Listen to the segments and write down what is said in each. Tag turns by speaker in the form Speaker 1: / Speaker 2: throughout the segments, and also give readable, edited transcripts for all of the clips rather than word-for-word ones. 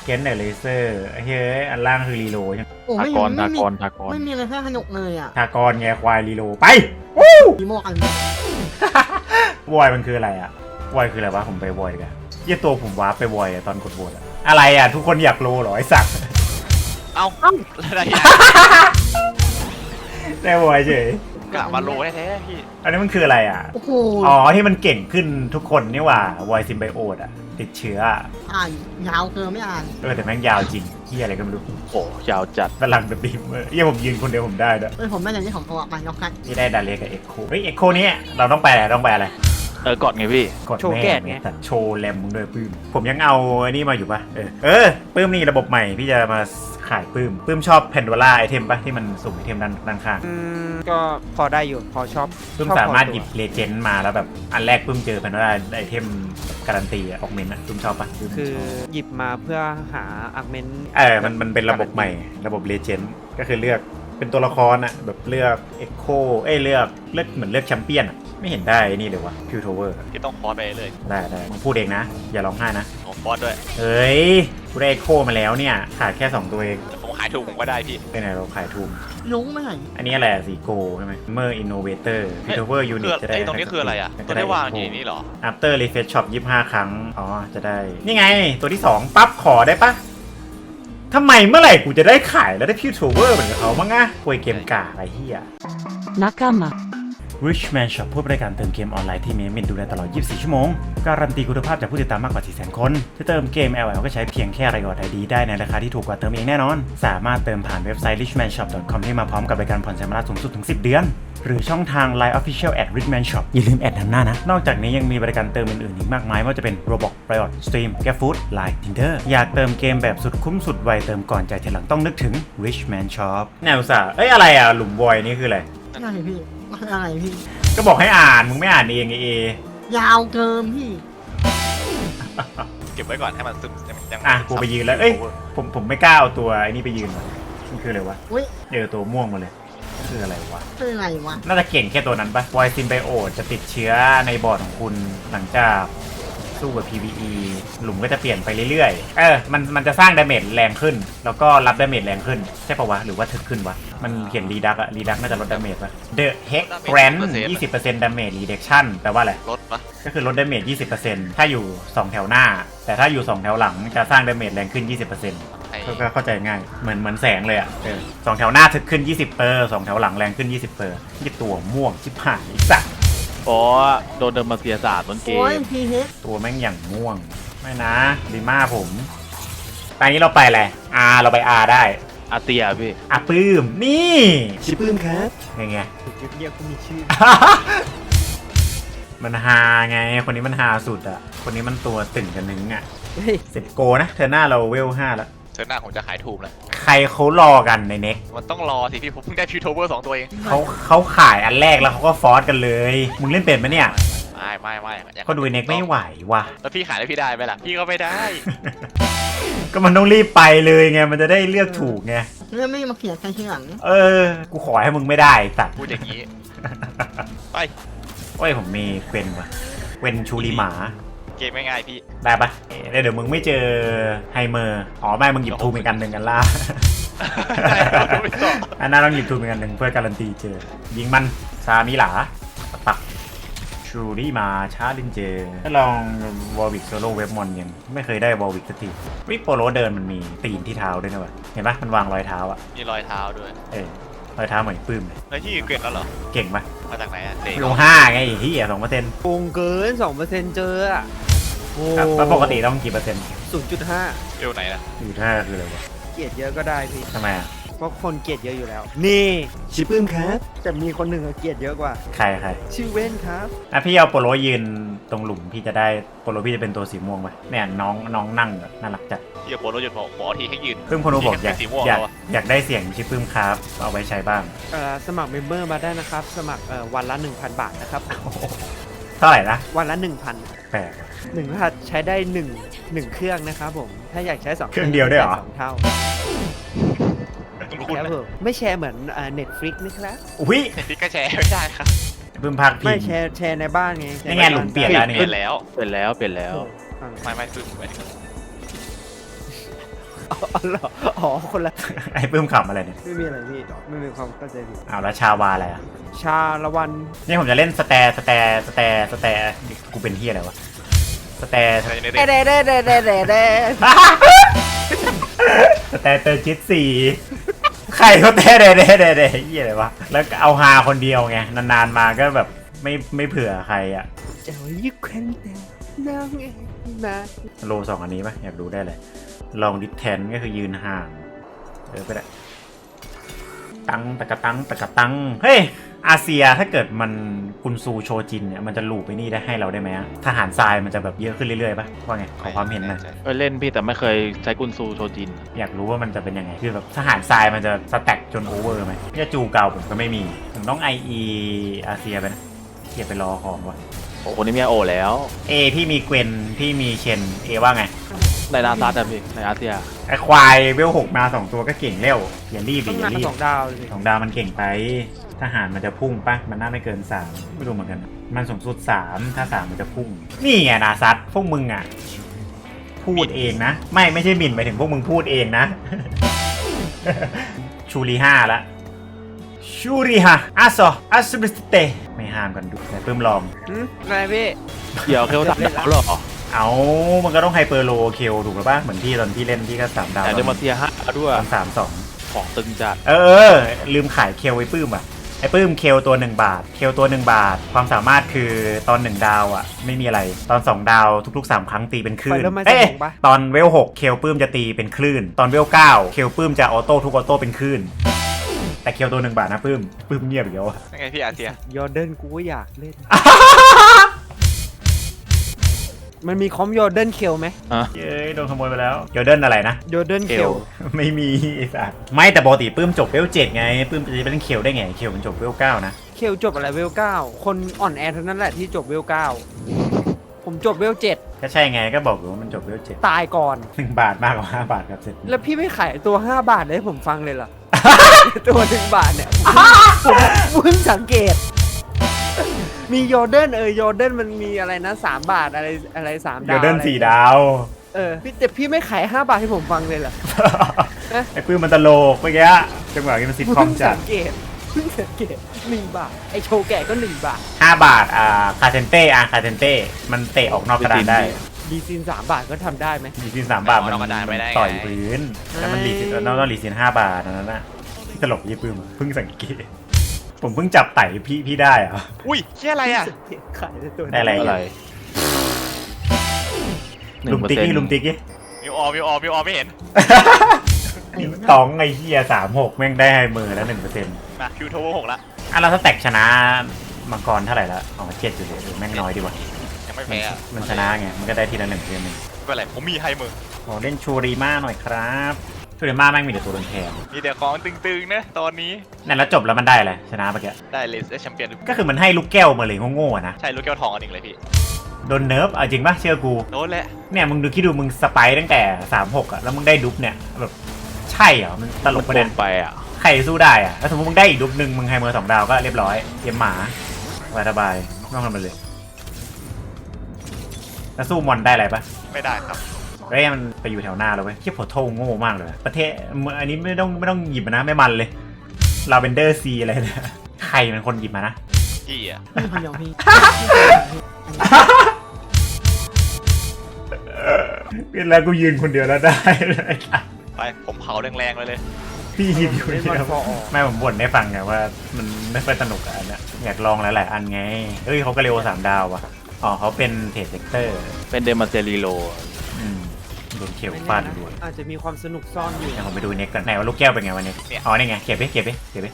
Speaker 1: เกนเนอร์เลเซอร์เฮ้ยอันล่างคือรีโหลใช่ไหม
Speaker 2: โอ้
Speaker 3: ทา
Speaker 2: ไม่
Speaker 3: กร
Speaker 2: ไม่
Speaker 3: ทา
Speaker 2: มี
Speaker 3: กรทากร
Speaker 2: ไม่มีอะไรแค่ขนกเลยอ่ะ
Speaker 1: ทากรไงควายรีโหลไป
Speaker 2: มีโมกอัน
Speaker 1: วอยมันคืออะไรอะวอยคืออะไรวะผมไปวอยกันยี่ตัวผมวาร์ปไปวอยอะตอนกดโหวตอะอะไรอะทุกคนอยากรู้เหรอไอ้สัตว์
Speaker 4: เอ้าอะไรอ่ะ
Speaker 1: ได้วอยเฉย
Speaker 4: กะมาโลแท้ๆพี่
Speaker 1: อันนี้มันคืออะไรอะ
Speaker 2: โอ้โห
Speaker 1: อ๋อที่มันเก่งขึ้นทุกคนนี่หว่าวอยซิมไบโอตอะติดเชื้ออะ
Speaker 2: อ่านยาวเกินไม่อ่าน
Speaker 1: แต่แม่งยาวจริงที่อะไรก็ไม่รู้
Speaker 3: โอ้ยาวจัด
Speaker 1: พลังแบบบีมยี่ผมยืนคนเดียวผมได้ด้วย
Speaker 2: ผมไม่ได้ที่ของเขามายกกัน
Speaker 1: ที่ได้ดาเลียกับเอ็กโคเฮ้ยเอ็กโคนี้เราต้องไปอะไรต้องไปอะไร
Speaker 3: กดไงพี่
Speaker 1: กดแม่ไงแต่โชว์แรมมึงด้วยปื้มผมยังเอาไอ้นี่มาอยู่ปะปื้มนี่ระบบใหม่พี่จะมาขายปื้มชอบแพนโดล่าไอเทมปะที่มันสุ่มไอเทมด้านข้าง
Speaker 5: ก็พอได้อยู่พอชอบ
Speaker 1: ปื้ม
Speaker 5: ชอบ
Speaker 1: สามารถ
Speaker 5: พอ
Speaker 1: ห
Speaker 5: ตั
Speaker 1: ยิ
Speaker 5: ว
Speaker 1: บเลเจนด์มาแล้วแบบอันแรกปื้มเจอแพนโดล่าไอเทมการันตีอะออกเมนอะปื้มชอบปะปื้ม
Speaker 5: คือ
Speaker 1: ชอบ
Speaker 5: หยิบมาเพื่อหาอาร์เมนต์
Speaker 1: มันเป็นระบบใหม่ระบบเลเจนด์ก็คือเลือกเป็นตัวละครอะแบบเลือกเอ็กโคเลือกเหมือนเลือกแชมเปี้ยนอะไม่เห็นได้นี่เลยวะพิวโทเวอร์
Speaker 4: ที่ต้องคอร์สไปเลย
Speaker 1: ได้มึงพูดเองนะ อย่าร้องไห้นะ
Speaker 4: ของคอร์สด้วย
Speaker 1: เฮ้ยกูได้เอ็กโคมาแล้วเนี่ยขาดแค่2ตัวเอง
Speaker 4: แต่ผมขายถูกผมก็ได้พี่
Speaker 1: ไปไหนเราขายทุน
Speaker 2: ลุงไม่ไหน
Speaker 1: อันนี้อะไรอะสีโกใช่ไหมเมอร์อินโนเวเตอร์พิทเวอร์ยูนิตจะได้
Speaker 4: ตรงนี้คืออะไรอ่ะตัวได้วางอยู่นี่เหรอ
Speaker 1: after refresh shop 25 ครั้ง อ๋อ จะได้ นี่ไง ตัวที่ 2 ปั๊บ ขอได้ปะทำไมเมื่อไหร่กูจะได้ขายแล้วได้พิวโทเวอร์เหมือนกับเขาบ้างอะคุยเกมกาอะไรเฮีย
Speaker 6: Nakama
Speaker 1: Richman Shop ผู้บริการเติมเกมออนไลน์ที่มีมินดูแลตลอด 24 ชั่วโมง การันตีคุณภาพจากผู้ติดตามมากกว่า 400,000 คนที่เติมเกม LL ก็ใช้เพียงแค่รายอดไอดีได้ในราคาที่ถูกกว่าเติมเองแน่นอน สามารถเติมผ่านเว็บไซต์ richmanshop.com ที่มาพร้อมกับบริการผ่อนชำระสูงสุดถึง 10 เดือน หรือช่องทาง Line Official @richman shop อย่าลืมแอดนำหน้านะ นอกจากนี้ยังมีบริการเติมอื่นๆอีกมากมายไม่ว่าจะเป็น Roblox Riot Stream GrabFood Line Tinder อยากเติมเกมแบบสุดคุ้มสุดไวเติมก่อนจ่ายทีหลังต้องนึกถึง Richman Shop แนวสาอะไรอะหลุมวอยนี่คืออะไร
Speaker 2: อะไรพี่อะไรพี่
Speaker 1: ก็บอกให้อ่านมึงไม่อ่านเองไง
Speaker 2: ยาวเกินพี่
Speaker 4: เก็บไว้ก่อนให้มันซึมยัง
Speaker 1: อ่ะกูไปยืนแล้วเอ้ยผมไม่กล้าเอาตัวไอ้นี่ไปยืนว่ะมันคืออะไรวะ
Speaker 2: อุ้ย
Speaker 1: เจอตัวม่วงมาเลยคืออะไรวะ
Speaker 2: คืออะไรวะ
Speaker 1: น่าจะเก่งแค่ตัวนั้นปะวอยซินไบโอจะติดเชื้อในบอร์ดของคุณหลังจากสู้กับ PVE หลุมก็จะเปลี่ยนไปเรื่อยๆมันจะสร้างดาเมจแรงขึ้น แล้วก็รับดาเมจแรงขึ้นใช่ปะวะหรือว่าถึกขึ้นวะมันเขียนรีดักน่าจะลดดาเมจปะ The Hex Grant 20% Damage Reduction แปลว่าอะไร
Speaker 4: ลดปะ
Speaker 1: ก็คือลดดาเมจ 20%ถ้าอยู่ 2 แถวหน้า แต่ถ้าอยู่ 2 แถวหลังจะสร้างดาเมจแรงขึ้น 20%
Speaker 4: ไอ้
Speaker 1: ก็เข้าใจง่าย เหมือนแสงเลยอ่ะสองแถวหน้าถึกขึ้น 20%สองแถวหลังแรงขึ้น 20%ยี่ตัวม่วงชิบหายสัตว์
Speaker 3: เพราะโดนเดิมมาเสียศาสตร์ต้นเก
Speaker 2: โอ้ย
Speaker 3: ม
Speaker 2: พีเฮด
Speaker 1: ตัวแม่งอย่างม่วง ไม่นะดีมากผมตอนนี้เราไปอะไร R เราไป R ได้
Speaker 3: อาเตียพี่
Speaker 1: ปื้ม นี่
Speaker 5: ชื่อปื้มครับ
Speaker 1: ไง
Speaker 5: จุดเดียวก็มีชื่อ
Speaker 1: มันฮาไง คนนี้มันฮาสุดอ่ะ คนนี้มันตัวตึงกันนึงอ่ะ
Speaker 5: เฮ้ย
Speaker 1: 10 โกนะเธอหน้าเราเวล 5 แล้ว
Speaker 4: เธอหน้าผมจะขายถูกแล้ว
Speaker 1: ใครเขารอกันในเน็ก
Speaker 4: มันต้องรอสิพี่ผมเพิ่งได้พิวโทเวอร์2ตัวเอง
Speaker 1: เขาขายอันแรกแล้วเขาก็ฟอสกันเลย มึงเล่นเป็นไหมเนี่ย
Speaker 4: ไม่
Speaker 1: ก็ดูไอ้เน็กไม่ไหวว่ะ
Speaker 4: แล้วพี่ขายแล้วพี่ได้ไหมล่ะพี่ก็ไม่ได้
Speaker 1: ก็มันต้องรีบไปเลยไง มันจะได้เลือกถูกไง
Speaker 2: เรื่องไม่มาเขียนใครทีหลัง
Speaker 1: กูขอให้มึงไม่ได้สัตว์
Speaker 4: พูดอย่างนี้ไป
Speaker 1: โอ้ยผมมีเกวนว่ะเกวนชูริหมา
Speaker 4: เกมง่ายๆพี่
Speaker 1: ได้ปะเดี๋ยวมึงไม่เจอไฮเมอร์ อ๋อไม่มึงหยิบทูเป็นกันหนึ่งกันล่า
Speaker 4: ได้ครับผมไม่ตอบ
Speaker 1: อันนั้นต้องหยิบทูเป็นกันหนึ่งเพื่อการันตีเจอ ยิงมันซามิหลาปักชูริมาชาลินเจถ้าลองวอลวิกโซโล่เว็บมอนยังไม่เคยได้วอลวิกสักทีวิโปโลเดินมันมีตีนที่เท้าด้วยนะวะเห็นปะมันวางรอยเท้าอ่ะ
Speaker 4: มีรอยเท้าด้วย
Speaker 1: รอยเท้าเหมือนปื้มเลย
Speaker 4: แล้วที่เกรดแล้วเหรอ
Speaker 1: เก่งปะ
Speaker 4: มาจากไหนอ่ะเตะ
Speaker 1: ลง5ไงไอ้เหี้ย2%
Speaker 5: โกงเกิน 2%เจออะโอ้
Speaker 1: แล้วปกติต้องกี่เปอร์เซ็นต์
Speaker 5: 0.5
Speaker 4: เอวไหนนะ
Speaker 1: อยู่ท่าคืออะไรวะ
Speaker 5: เกลียดเยอะก็ได้พี่
Speaker 1: ทำไมอ่ะ
Speaker 5: เพราะคนเกลียดเยอะอยู่แล้ว นี่ชื่อปื้มครับแต่มีคนหนึ่งอะเกลียดเยอะกว่า
Speaker 1: ใคร
Speaker 5: ชื่อเว้นครับ
Speaker 1: พี่เอาโปโลยืนตรงหลุมพี่จะได้โปโลพี่จะเป็นตัวสีม่วงปะเนี่ยน้องนั่งแบบน่ารักจัด
Speaker 4: พี่จะโปรโลหยุดขอทีให้ยืน
Speaker 1: พึ่งคนรู้บอก
Speaker 4: สีม่วง
Speaker 1: อยาก
Speaker 4: แล้วอะ
Speaker 1: อยากได้เสียงชิปพึ่งครับเอาไว้ใช้บ้าง
Speaker 5: สมัครเมมเบอร์มาได้นะครับ สมัครวันละ 1,000 บาทนะครับ
Speaker 1: เท่าไหร่นะ
Speaker 5: วันละ 1,000
Speaker 1: แปลก
Speaker 5: 1รหัสใช้ได้1เครื่องนะครับผม ถ้าอยากใช้2
Speaker 1: เครื่องเดียวได้เหรอ
Speaker 5: 2เท่า
Speaker 4: คุณ
Speaker 5: ครับผมไม่แชร์เหมือนNetflix นะครับ
Speaker 1: อุ้ย
Speaker 4: พี่ก็แชร์ไม่ได้ครับ
Speaker 1: พึ่งพักพิ
Speaker 5: ไม่
Speaker 1: ง
Speaker 5: แชร์ในบ้านไง
Speaker 1: นี่ไงหลุมเปลี่ยนแล้วนี่
Speaker 4: เปลี่ยนแล้ว
Speaker 3: เปลี่ยนแล้ว
Speaker 5: ฟัง
Speaker 4: ไม่ซึมไป
Speaker 5: อ๋อเหรออ๋อคนละ
Speaker 1: ไอ้ปื้มขำอะไรเนี่ย
Speaker 5: ไม่มีอะไรพี่ไม่มีความเข้าใจผิด
Speaker 1: อ้าวแล้วชาวาอะไรอ่ะ
Speaker 5: ชาละวัน
Speaker 1: นี่ผมจะเล่นสแตร์กูเป็นเฮียอะไรวะสแตร์
Speaker 4: ใน
Speaker 5: เด้เด้เด้เด้เด้เด้
Speaker 1: สแตร์เตอร์จิตสี่ใครเขาแต่เด้เฮียอะไรวะแล้วเอาฮาคนเดียวไงนานๆมาก็แบบไม่เผื่อใครอ่ะ
Speaker 5: เจ้ายิ่งแข็งแต่น้องเองนะ
Speaker 1: โล2อันนี้ปะอยากดูได้เลยลองดิสแทนก็คือยืนห่างก็ได้ตังตะกะตังเฮ้ยอาเซียถ้าเกิดมันกุนซูโชจินเนี่ยมันจะลูปไปนี่ได้ให้เราได้ไหมอะทหารทรายมันจะแบบเยอะขึ้นเรื่อยๆปะว่าไงขอความเห็นหน่อย
Speaker 3: เคยเล่นพี่แต่ไม่เคยใช้กุนซูโชจิน
Speaker 1: อยากรู้ว่ามันจะเป็นยังไงคือแบบทหารทรายมันจะสแต็กจนโอเวอร์ไหมเนี่ยจูเก่าผมก็ไม่มีผมต้อง IE อาเซียไปนะเกียไปรอของวะ
Speaker 3: โอ้คนนี้มีโอแล้ว
Speaker 1: พี่มีเกวนพี่มีเชนว่าไง
Speaker 3: ในนาซาแต่พี่ในอาเซีย
Speaker 1: ไอควายเวล6มา2ตัวก็เก่งเร็วอย่ารีบ
Speaker 5: ต้
Speaker 1: ดิ
Speaker 5: องาน
Speaker 1: อย่านรีบ
Speaker 5: 2 ดาวเลย
Speaker 1: 2 ดาวมันเก่งไปทหารมันจะพุ่งปะมันน่าไม่เกิน3ไม่รู้เหมือนกันมันสูงสุด3ถ้า3มันจะพุ่งนี่ไงนาซัตพวกมึงอ่ะพูดเองนะไม่ใช่หมิ่นไปถึงพวกมึงพูดเองนะ ชูรี5ละชูรีฮะอัสบิสเตไม่ห้ามกันดูแต่เพิ่มลอง
Speaker 5: อะไรพี่
Speaker 3: เกี่ยวเคลตัดดาวเหรอ
Speaker 1: เอามันก็ต้องไฮเปอร์โลเคลถูกหรือปะเหมือนที่ตอนที่เล่นที่ก็3 ดาว
Speaker 3: แต่เดมาเซียฮะด้วย
Speaker 1: ตอน3-2
Speaker 3: ของตึงจัด
Speaker 1: ลืมขายเคลไอ้ปื้มอ่ะไอ้ปื้มเคลตัว1 บาทเคลตัว1 บาทความสามารถคือตอน1 ดาวอ่ะไม่มีอะไรตอน2 ดาวทุกๆ3 ครั้งตีเป็นคลื่นตอนเวล6เคลปื้มจะตีเป็นคลื่นตอนเวล9เคลปื้มจะออโต้ทุกออโต้เป็นคลื่นแต่เคลตัว1 บาทนะปื้มเงียบอีกแล้วอะ
Speaker 4: ยังไงพี่อาเซีย
Speaker 5: ยอร์เดนกูก็อยากเล่น มันมีคอมยอร์เดนเคลไหม
Speaker 1: เย้ยโดนขโมยไปแล้วโยเดิร์นอะไรนะ
Speaker 5: ยอร์เดนเคล
Speaker 1: ไม่มีไอ้สัสไม่แต่ปกติปื้มจบเวล7ไงปื้มจะเป็นเคลได้ไงเคลมันจบเวล9นะ
Speaker 5: เคลจบอะไรเวล9คนอ่อนแอเท่านั้นแหละที่จบเวล9ผมจบเวล7
Speaker 1: ก็ใช่ไงก็บอกอยู่ว่ามันจบเวล7
Speaker 5: ตายก่อน
Speaker 1: 1 บาทมากกว่า5 บาทครับเสร็จ
Speaker 5: แล้วพี่ไม่ขายตัว5 บาทเลยให้ผมฟังเลยเหรอ ตัว1 บาทเนี่ยผมเพิ่งสังเกต มียอร์เดนยอร์เดนมันมีอะไรนะ3 บาทอะไร3
Speaker 1: โย
Speaker 5: ดาว
Speaker 1: เดิร์น4 ดาว
Speaker 5: พี่แต่พี่ไม่ขาย5 บาทให้ผมฟังเลยเหรอ
Speaker 1: ไอ้ปื้มมันตลกเมื่อกี้จังหวะนี้มันซิทคอมจัด
Speaker 5: เพิ่งสังเกต1 บาทไอโชว์แก่ก็1 บาท
Speaker 1: 5 บาทคาเทนเต้คาเทนเต้มันเตะออกนอกกระดานได้
Speaker 5: ดีซิน3 บาทก็ทำได้ไหม
Speaker 1: ลีซิน3 บาทมันต่อยพื้นแล้วมันลีซินแล้วก็ลีซิน5 บาทนั่นน่ะตลกยี่ปื้มเพิ่งสังเกตผมเพิ่งจับไต่พี่ได้เหรอ
Speaker 4: อุ้ยเชี่ยอะไรอ่ะ
Speaker 5: ขายได้ตัว
Speaker 1: ได้อะไร
Speaker 3: อะไร
Speaker 1: ลุมติ๊กนี่ลุมติ๊กนี่
Speaker 4: มิวออไม่เห็น
Speaker 1: ตองไอ้เหี้ย36แม่งได้ไฮเมอร์แล้ว 1%
Speaker 4: มาคิวโทเวอร์6ละ
Speaker 1: เราถ้าแตกชนะมังกรเท่าไหร่แล้วอ๋อ7อยู่เลยแม่งน้อยดีกว่า
Speaker 4: ยังไม่แพ้อะ
Speaker 1: มันชนะไงมันก็ได้ทีละ1%หนึ่ง
Speaker 4: ไม่เป็นไรผมมีไฮมือ
Speaker 1: ขอเล่นชูริมาหน่อยครับชูริมาแม่งมีแต่ตัวโดนแทง
Speaker 4: มีแต่ของตึงๆนะตอนนี้
Speaker 1: นั่นแล้วจบแล้วมันได้เลยชนะเมื่อกี้
Speaker 4: ได้เลสแชมเปี้ยน
Speaker 1: ก็คือมันให้ลูกแก้วมาเลยโง่ๆอะนะ
Speaker 4: ใช่ลูกแก้วทองอันหนึ่งเลยพี่
Speaker 1: โดนเนิร์ฟเอาจริงปะเชื่อกู
Speaker 4: โดนแหละ
Speaker 1: เนี่ยมึงดูคิดดูมึงสไปร์ตั้งแต่36อะแล้วมึงได้ดุ๊บเนี่ยแบบใช่เหรอมันตลก
Speaker 3: ป
Speaker 1: ประ ระ
Speaker 3: เด็
Speaker 1: เด็
Speaker 3: น
Speaker 1: น
Speaker 3: ไปอ่ะ
Speaker 1: ใครสู้ได้อะแล้วสมมติมึงได้อีกดุ๊บหนึ่งมึงไฮเมอร์2 ดาวก็เรียบร้อยเกมหมาสบายๆไม่ต้องทำอะไรเลยแล้วสู้มอนได้อะไรปะ
Speaker 4: ไม่ได้ครับ
Speaker 1: เฮ้ยมันไปอยู่แถวหน้าแล้วเว้ยเทียบโพโทโง่มากเลยประเทศอันนี้ไม่ต้องหยิบมานะไม่มันเลยลาเวนเดอร์ซีอะไรเนี่ยใครเป็นคนหยิบมานะ
Speaker 4: พี่อ่ะ
Speaker 2: พี่คนเดียวพี่
Speaker 1: เป็นแล้วกูยืนคนเดียวแล้วได้เลย
Speaker 4: ไปผมเผาแรงๆเลย
Speaker 1: พี่หยิบอยู่คนเดียว
Speaker 5: ไม่พอออก
Speaker 1: แม่ผมบ่นให้ฟังไงว่ามันไม่ค่อยสนุกอะอันเนี้ยอยากลองหลายๆอันไงเอ้ยเขาก็เร็ว3 ดาวว่ะอ๋อเขาเป็นเทรดเซกเตอร์
Speaker 3: เป็นเดมาเซียรีโล
Speaker 1: โดนเขียวฟาดด้วย
Speaker 5: อาจจะมีความสนุกซ่อนอยู่
Speaker 1: เดี๋ยวผมไปดูเน็กกันไหนว่าลูกแก้วเป็นไงวันนี้อ๋อนี่ไงเก็บไป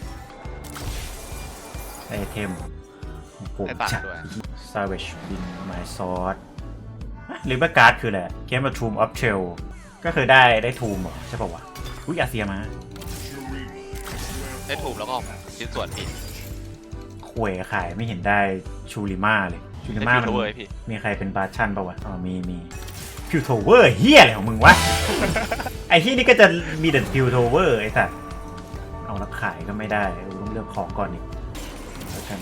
Speaker 1: ไอเทม
Speaker 4: ๆได้ตังค์ด้วย
Speaker 1: Savage Win My Sword หรือว่าการ์ดคืออะไรเกมแบบ Tomb of Trail ก็คือได้ทูมเหรอใช่ป่าววะอุ้ยอาเซียมา
Speaker 4: ได้ถูกแล้วก็ชิ้นส่วนพี่
Speaker 1: ขวยขายไม่เห็นได้ชูริมาเลยชูริ
Speaker 4: ได้
Speaker 1: มา
Speaker 4: คิว
Speaker 1: มัน
Speaker 4: โทเวอร์พี่
Speaker 1: มีใครเป็นบาชั่นป่าววะอ๋อมีพิวโทเวอร์เฮียอะไรของมึงวะ ไอ้ที่นี่ก็จะมีแต่พิวโทเวอร์ไอ้สัสเอาแล้วขายก็ไม่ได้ต้องเลือกของก่อนอีกแล้วกัน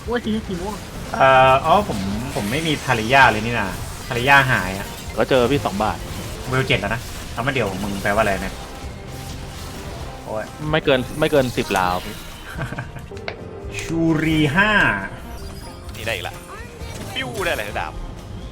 Speaker 2: ว่าทีสีม่วง
Speaker 1: อ๋อผมไม่มีภริยาเลยนี่นะภริยาหายอะ
Speaker 3: ก็เจอพี่2 บาท
Speaker 1: เวล7แล้วนะเอามาเดี๋ยวมึงแปลว่าอะไรเนี่ยโอ้ย
Speaker 3: ไม่เกิน10 ลาวพี่
Speaker 1: ชูรี5
Speaker 4: นี่ได้อีกละปิ้วได้อะไรดาบ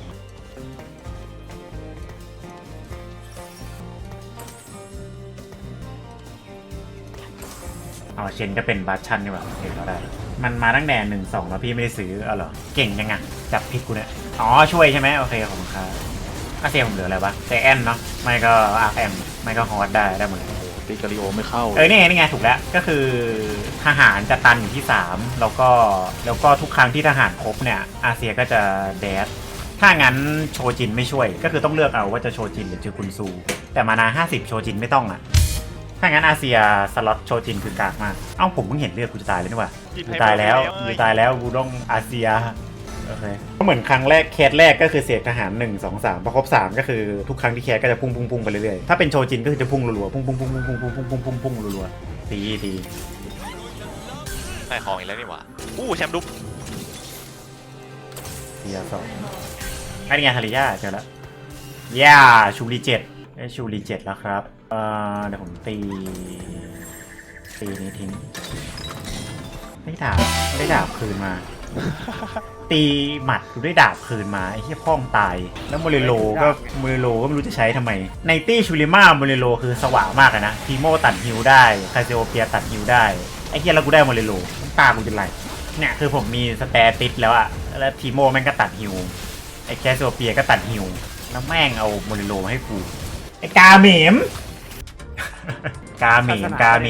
Speaker 1: อ๋อเชนก็เป็นบัตชันนี่หว่าเห็นเขาได้มันมาตั้งแต่1-2แล้วพี่ไม่ได้ซื้อเหรอเก่งยังไงจับผิดกูเนี่ยอ๋อช่วยใช่ไหมโอเคขอบคุณครับอาเซียผมเหลืออะไรวะแต่แอนเนาะไม่ก็อาร์แอมไม่ก็ฮอตได้หมดเลย
Speaker 3: ตีกาลิโอไม่เข้า
Speaker 1: นี่ไงถูกแล้วก็คือทหารจะตันอยู่ที่3แล้วก็ทุกครั้งที่ทหารครบเนี่ยอาเซียก็จะแดดถ้างั้นโชจินไม่ช่วยก็คือต้องเลือกเอาว่าจะโชจินหรือจะคุนซู แต่มานา50โชจินไม่ต้องอ่ะถ้างั้นอาเซียสล็อตโชจินคือกากมากเอ้าผมเพิ่งเห็นเลือดกูจะตายเลยนี่หว่ากูตายแล้วกูต้องอาเซียโอเคก็เหมือนครั้งแรกเคสแรกก็คือเสียทหาร1 2 3พอครบ3ก็คือทุกครั้งที่แคสก็จะพุ่งไปเรื่อยๆถ้าเป็นโชจินก็คือจะพุ่งรัวๆพุ่งรัวๆตี
Speaker 4: ได้ของอีกแล้วนี่หว่าแชมป์ดุ๊บ
Speaker 1: เทีย2อันนี้ไงฮาริยาเจอแล้วย่าชูรี7ได้ชูรี7แล้วครับเดี๋ยวผมตีนี้ทิ้งได้ดาบคืนมา ตีหมัดกูได้ดาบคืนมาไอ้ที่พ่องตายแล้วโมเรโลก็ไม่รู้จะใช้ทำไมในตี้ชูริมาโมเรโลคือสว่างมากนะทีโมตัดฮิวได้คาเซโอเปียตัดฮิวได้ไอ้เหี้ยแล้วกูได้โมเรโลตากูจะไหลเนี่ยคือผมมีสแตติสแล้วอะแล้วทีโมแม่งก็ตัดฮิวไอ้คาเซโอเปียก็ตัดฮิวแล้วแม่งเอาโมเรโลมาให้กูไอ้กาเหมม กาเม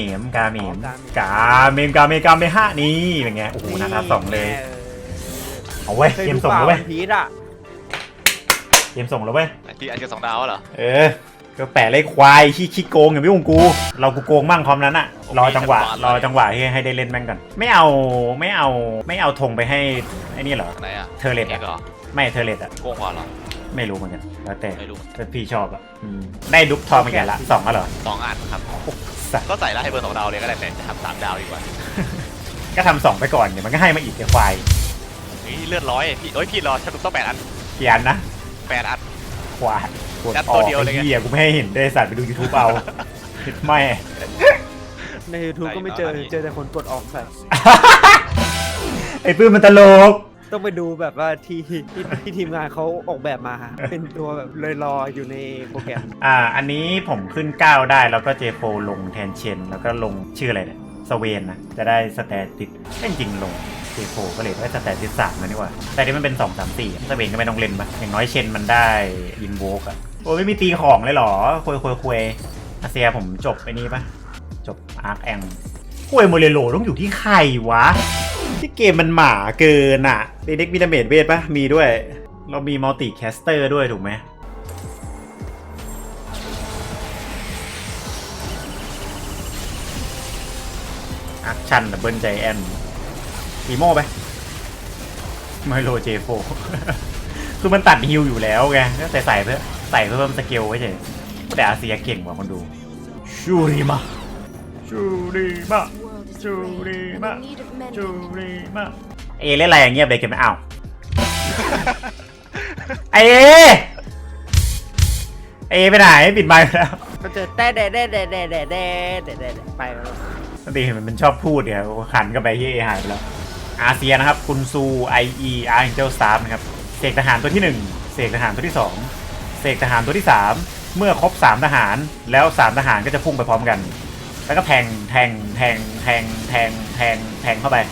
Speaker 1: ฮะนี่เป็นไงโอ้โหนะครับ2เลยเอาเว้ยเกมส่งแล้วเว้ย
Speaker 5: พีทอ่ะ
Speaker 1: เกมส่งแล้วเว้ย
Speaker 4: ที่อันเจอ2 ดาวเหรอ
Speaker 1: ก็แปะเลยควายขี้โกงอย่างพี่องกูเรากูโกงมั่งพร้อมนั้นอะรอจังหวะให้ได้เล่นแม่งก่อนไม่เอาธงไปให้ไอ้นี่เหรอ
Speaker 4: ไหนอ่ะ
Speaker 1: เทอร์เลต
Speaker 4: เอกเหรอ
Speaker 1: ไม่เทอร์เลตอะ
Speaker 4: โกงกว่าเหรอ
Speaker 1: ไม่รู้เหมือนกันแล้วแต่
Speaker 4: ไม่รู้
Speaker 1: แต่พี่ชอบอะได้ดุ๊กทองไปแก่ละ2แล้วเหรอ
Speaker 4: 2 อันครับ
Speaker 1: สัตว์
Speaker 4: ก็ใส่แล้วให้เบอร์2 ดาวเลยก็ได้แต่จะทำ3 ดาวดีกว่า
Speaker 1: ก็ทำ2ไปก่อนเดี๋ยวมันก็ให้มาอีกไอ้ควาย
Speaker 4: นี่เลือด100พี่รอแชมป์ดุ๊บต้อง8 อัน
Speaker 1: กี่อันนะ
Speaker 4: 8 อัน
Speaker 1: ควายกด
Speaker 4: ยัด
Speaker 1: อ
Speaker 4: ตั
Speaker 1: อ
Speaker 4: ว
Speaker 1: ก
Speaker 4: เดียวเลยไง
Speaker 1: ไอ้เหี้ยกูไม่ให้เห็นได้สัตว์ไปดู YouTube เอา ไม่
Speaker 5: ใน YouTube ก็ไม่เจอแต่คนกดออกใส่
Speaker 1: ไอ้ปื้มมันตลก
Speaker 5: ต้องไปดูแบบว่าที่ทีมงานเขาออกแบบมา เป็นตัวแบบเลยรออยู่ในโปรแกรม
Speaker 1: อันนี้ผมขึ้น9ได้แล้วก็เจโฟลงแทนเชนแล้วก็ลงชื่ออะไรเนี่ยสเวนนะจะได้สแตติสจริงๆลงเจโฟก็เลยได้สแตติส3นะนี่หว่าแต่ที่มันเป็น2 3 4สเวนก็ไม่ต้องเล่นปะอย่างน้อยเชนมันได้อินโวกอะโอ้ไม่มีตีของเลยเหรอคุยอาเซียผมจบไอ้นี่ปะจบอาร์คแองคุยโมเรโลต้องอยู่ที่ใครวะที่เกมมันหมาเกินอะเด็กมีดาเมจเวทปะมีด้วยเรามีมัลติแคสเตอร์ด้วยถูกไหมแอคชั่นดับเบิลใจแอนอีโม่ไปไมโลเจโฟ คือมันตัดฮิลอยู่แล้วไงแต่ใส่เพิ่มสเกลไว้เฉยแต่อาเซียเก่งกว่าคนดูชูริมะเอเล่นอะไรอย่างเงียบเลยเก็บไม่เอาเอไปไหนปิดไมค์ไปแล้ว
Speaker 5: ก็เจอแต่ไปแล้ว
Speaker 1: ปกติมันเป็นชอบพูดเนี่ยขันก็ไปที่เอหายไปแล้วอาเซียนะครับกุนซู IE Angel Staff นะครับเสกทหารตัวที่1เสกทหารตัวที่2เสกทหารตัวที่3เมื่อครบ3ทหารแล้ว3ทหารก็จะพุ่งไปพร้อมกันแล้วก็แทงเข้าไป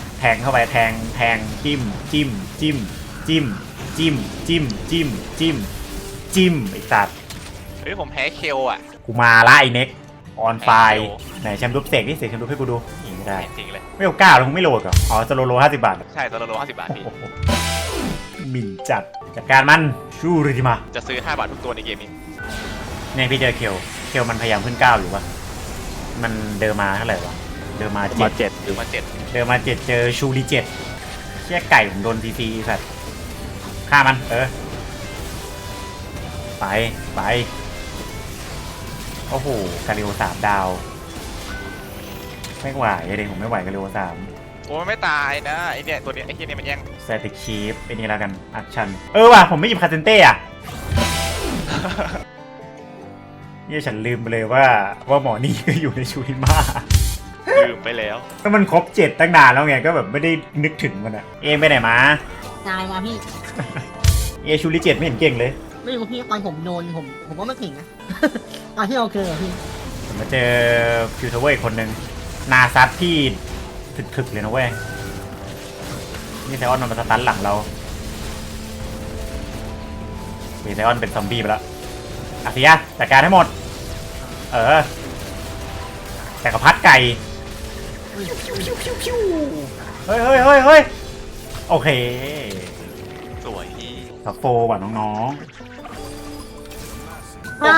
Speaker 1: จิ้มไอ้สัตว์
Speaker 4: เฮ้ยผมแพ้เคลอ่ะ
Speaker 1: กูมาละไอ้เน็กออนไฟไหนแชมป์รูปเสกนี่เสกแชมป์รูปให้กูดูไม่ได้
Speaker 4: จริงเลย
Speaker 1: ไม่เอาก้าวแล้วมึงไม่โหลดเหรออ๋อจะโล50 บาท
Speaker 4: ใช่ตัวละ50 บาทพี่
Speaker 1: โอ้โหหมิ่นจัดการมันชูริมา
Speaker 4: จะซื้อ5 บาททุกตัวในเกมนี้
Speaker 1: เนี่ยพี่เจอเคลมันพยายามขึ้น9อยู่ปะมันเดินมาเท่าไหร่วะเดินมา
Speaker 3: มา
Speaker 1: 7
Speaker 3: 7หรือ
Speaker 4: มา 7
Speaker 1: เดินมา7เจอชูริ7เชี่ยไก่ผมโดนซีสัตว์ฆ่ามันไปโอ้โหกาลิโอ3 ดาวไม่ไหวเลยผมไม่ไหวกาลิโอ3
Speaker 4: โอ้ยไม่ตายนะไอเนี่ยตัวเนี้ยไอเฮียเนี่ยมันแย่ง
Speaker 1: สแตติกชีฟเป็นนี่แล้วกันอัคชั่นว่ะผมไม่หยิบคาเซนเต้อะ เนี่ยฉันลืมไปเลยว่าหมอนี่ก็อยู่ในชูริมา
Speaker 4: ลืมไปแล้ว
Speaker 1: ก็มันครบ7ตั้งนานแล้วไงก็แบบไม่ได้นึกถึงมันอะเอมไปไหนมา
Speaker 2: ตายมาพี่
Speaker 1: เอชูริ7ไม่เห็นเก่งเลย
Speaker 2: ไม่รู้พี่ตอนผมโดนผมว่าไม่ถึงนะ ตอนที่เราเจอพี่
Speaker 1: ผมมาเจอฟิวเทอร์เว้ยคนหนึ่งนาซัดที่ถึกๆเลยนะเว้ยนี่ไซออนมันมาสตันหลังเราไซออนเป็นซอมบี้ไปแล้วอาเซียจัดการให้หมดแต่กระพัดไก่เฮ้ยโอเค
Speaker 4: สวยพี่
Speaker 1: สับโฟว่ะน้อง
Speaker 4: โอ้โห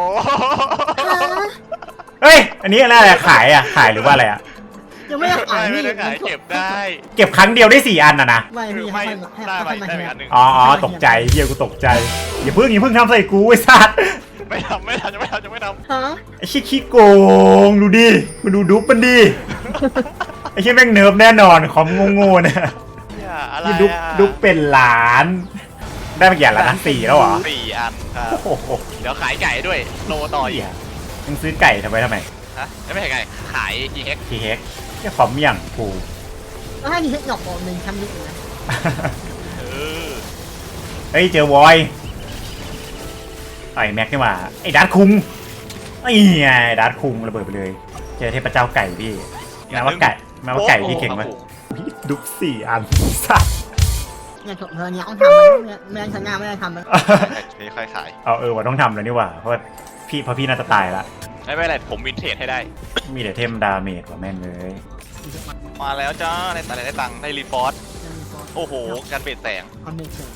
Speaker 1: ๆเฮ้ยอันนี้อะไรขายหรือว่าอะไรอะ
Speaker 2: ยังไม่ได้ขาย
Speaker 4: ไม่
Speaker 2: พี่
Speaker 4: ได้ขายเก็บได้
Speaker 1: เก็บครั้งเดียวได้4 อันนะ
Speaker 2: ไม่พี่
Speaker 4: ไม่
Speaker 2: ให้
Speaker 4: ได้ไป
Speaker 2: มา
Speaker 4: ได้ไป
Speaker 2: เฮีย
Speaker 4: อันหนึ่ง
Speaker 1: อ๋อตกใจเฮียกูตกใจอย่าเพิ่งทำใส่กูไอ้สัตว์
Speaker 4: ไม่ทำยังไม่ทำ
Speaker 2: ฮะ
Speaker 1: ไอ้ขี้โกงดูดิมาดูดุ๊บมันดิไอ้ขี้แม่งเนิร์ฟแน่นอนคอมโง่ๆเนี่ย
Speaker 4: เนี่ยอะไร
Speaker 1: นี่ดุ๊บเป็นล้าน ได้มากี่อันแล้วนะ4แล้วเหรอ
Speaker 4: 4 อันครับ
Speaker 1: โอ้โห
Speaker 4: เดี๋ยวขายไก่ด้วยโลต่ออีก
Speaker 1: มึงซื้อไก่ทำไม
Speaker 4: ฮะไม่ใช่ไก่ขายทีเอ็ก
Speaker 1: ทีเฮกเนี่ยคอมอย่างกู
Speaker 2: แล้วให้มีเทคนิคบอกหนึ่งทำยุคนะ
Speaker 4: เออ
Speaker 1: เฮ้ยเจอวอยไอ้แม็กนี่หว่าไอ้ดัตคุงไอ้ไงดัตคุงระเบิดไปเลย เจอเทพเจ้าไก่พี่แม้ว่าไก่พี่เก่งไหมดุ๊บ4 อันสัตว์
Speaker 2: เนี่ยเธอเนี่ยต้องทำมันไม่ได้ชนะไม่ได้ทำมัน
Speaker 4: ไม่ค่อยขาย
Speaker 1: เอาว่าต้องทำแล้วนี่หว่าเพราะพี่น่าจะตายละ
Speaker 4: ไม่เป็นไรผมวินเทจให้ได้
Speaker 1: มีแต่เทมดาเมจกว่าแม่งเลย
Speaker 4: มาแล้วจ้าได้ตังค์ได้รีฟอร์สโอ้โหการเปลี่ยนแสง
Speaker 2: ความเป็นเสียง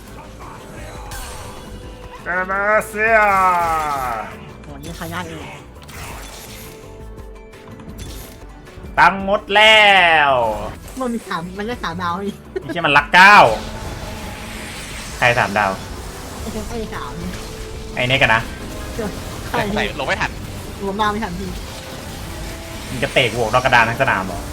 Speaker 1: กามาเซีย
Speaker 2: โหนี่ใครได้เอง
Speaker 1: ตังค์หมดแล้ว
Speaker 2: มันมีมันได้3 ดาวอีก
Speaker 1: ไม่ใช่มันรัก9ใคร3 ดาว
Speaker 2: ไอ้ไอ้สาม
Speaker 1: ไอ้เน็กกันนะ
Speaker 2: ใคร
Speaker 4: ใส่ลงไม่ทัน
Speaker 2: รวมดาวไม่ทันพี่
Speaker 1: มึงจะเตะกูออกนอกกระดานทั้งสนามเหรอ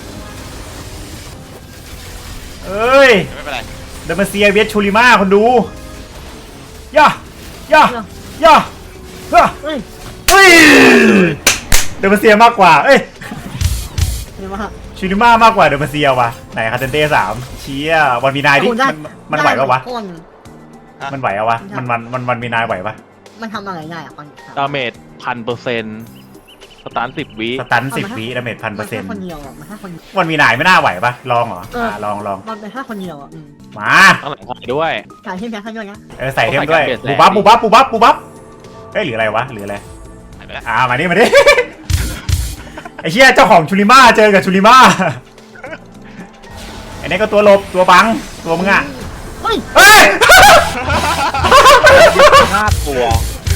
Speaker 1: เอ้ย
Speaker 4: ไม่เป็นไร
Speaker 1: เดมาเซียเวสชูริมาคนดูย่าเฮ้ยเดมาเซียมากกว่าเอ้ย
Speaker 2: เห็นไหมฮะ
Speaker 1: ชูริมามากกว่าเดมาเซียว่ะไหนคาเทนเต้3เชียวันมีนายดิมันไหวปะวะ
Speaker 2: ก้น
Speaker 1: มันไหวอะวะมันมีนายไหวปะ
Speaker 2: มันทำอะไรได้อะตอน
Speaker 3: ดาเมจ1,000%สตาร์ท10 วิ
Speaker 1: สตัน10 วิดาเมจ
Speaker 2: มันแค่คน
Speaker 1: 1,000%
Speaker 2: เดียวอ่ะมันแค่คน
Speaker 1: วันมีนายไม่น่าไหวปะลองเหรอลอง
Speaker 2: มันเป็นแค่คนเดียวอ่ะ
Speaker 1: มา
Speaker 3: ต้องหลังขายด้วย
Speaker 2: ขายที่แพ้ข้างด้วยนะ
Speaker 1: ใส่เทมด้วย
Speaker 3: ใส่
Speaker 1: บู
Speaker 3: การ
Speaker 1: บับ
Speaker 3: เปลี่ยนแปลง
Speaker 1: บูบับเฮ้ยหรืออะไรวะหรืออะไร
Speaker 4: หายไปแล้ว
Speaker 1: มาดิ ไอ้เชี่ยเจ้าของชูริมาเจอกับชูริมาไอ้นี่ก็ตัวหลบตัวบังตัวมึงอ่ะ
Speaker 2: เฮ้ย
Speaker 1: เฮ้ย
Speaker 3: 5 ตัว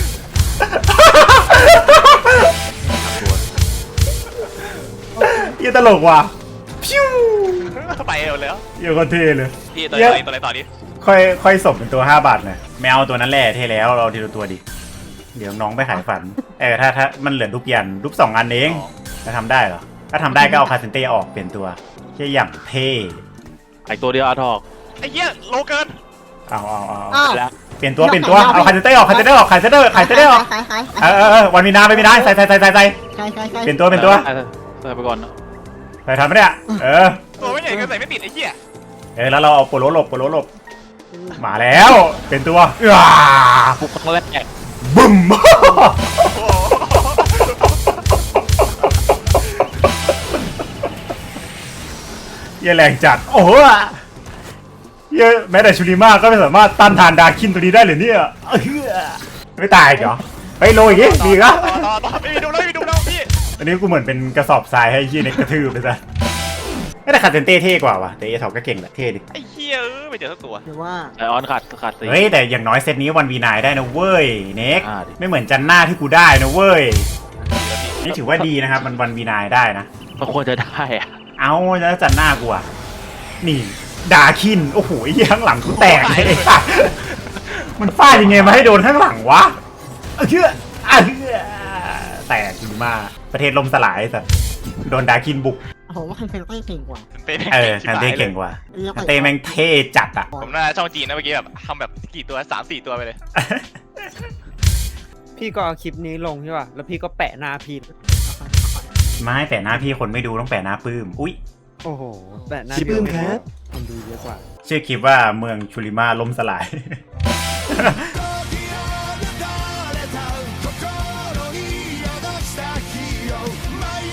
Speaker 1: เหี้ยตลกว่ะพิ้ว
Speaker 4: ไปหมดแล้ว
Speaker 1: เหี้ยก็เท่เลย
Speaker 4: พี่ตัวอะไรต่อนี้
Speaker 1: ค่อยสมเป็นตัว5 บาทหน่อยแมวตัวนั้นแหละเท่แล้วเราทีละตัวดิเดี๋ยวน้องไปขายฝันถ้ามันเหลือรูปยันรูป2 อันเองจะทำได้เหรอถ้าทำได้ก็เอาคาเซนเต้ออกเปลี่ยนตัวแค่อย่างเท่
Speaker 3: อีกตัวเดียวอาทอก
Speaker 4: ไอ้เหี้ยโลเกิน
Speaker 1: เอา
Speaker 2: อ้าว
Speaker 3: แล้ว
Speaker 1: เปลี่ยนตัวเอาคาเซนเต้ออกขายวันมีนาไม่มีนาใส่เปลี่ยนตัว
Speaker 3: ใส่ไปก่อนนะ
Speaker 1: ใส่ทันไหมเนี่ย
Speaker 4: ตัวไม่ใหญ่ก็ใส่ไม่ติดไอ้เหี้ย
Speaker 1: แล้วเราเอาโปโลหลบมาแล้วเปลี่ยนตัว
Speaker 3: ปุ๊บครั้งแรก
Speaker 1: บึ้ม
Speaker 4: โอ้โห
Speaker 1: เหี้ยแรงจัดโอ้โหเหี้ยแม้แต่ชูริมาก็ไม่สามารถต้านทานดาคินตัวนี้ได้เลยเนี่ยไม่ตายเหรอเฮ้ยโลอีกดีก็
Speaker 4: ต่อไม่มีดูแล้วพี่
Speaker 1: อันนี้กูเหมือนเป็นกระสอบทรายให้ยี่เน็กกระทืบไปซะแต่คาเซนเต้เท่กว่าว่ะแต่เอทอกก็เก่งแหละเท่ดิ
Speaker 4: ไอ้เหี้ยไม่เจอสักตัว
Speaker 2: หรือว่า
Speaker 3: ไอออนขาดสี
Speaker 1: เฮ้ยแต่อย่างน้อยเซตนี้วันวีนายได้นะเว้ยเน็ก
Speaker 3: อ่าดิ
Speaker 1: ไม่เหมือนจันหน้าที่กูได้นะเว้ยนี่ถือว่าดีนะครับมันวันวีนายได้นะ
Speaker 3: มันควรจะได้อะ
Speaker 1: เอาแล้วจันหน้ากูอ่ะนี่ดาคินโอ้โหไอ้เหี้ยข้างหลังกูแตกเลยมันฟาดยังไงมาให้โดนข้างหลังวะแตกจริงมากประเทศลมสลายสัตว์โดนดาคินบุก
Speaker 2: ผมว่าคันเต้เก่งกว่า
Speaker 4: เต้
Speaker 1: คันเต้เก่งกว่าคันเต้แม่งเท่จัดอ่ะ
Speaker 4: ผมน่าช่องจีนนะเมื่อกี้แบบทำแบบกี่ตัว3-4 ตัวไปเลย
Speaker 5: พี่ก็เอาคลิปนี้ลงใช่ป่ะแล้วพี่ก็แปะหน้าพี่
Speaker 1: ไม่แปะหน้าพี่คนไม่ดูต้องแปะหน้าปื้มอุ้ย
Speaker 5: โอ้โหแปะหน้า
Speaker 6: ชิป
Speaker 5: พี่
Speaker 6: ปื้มครับ
Speaker 5: คนดูเยอะกว่า
Speaker 1: ชื่อคลิปว่าเมืองชูริมาล่มสลาย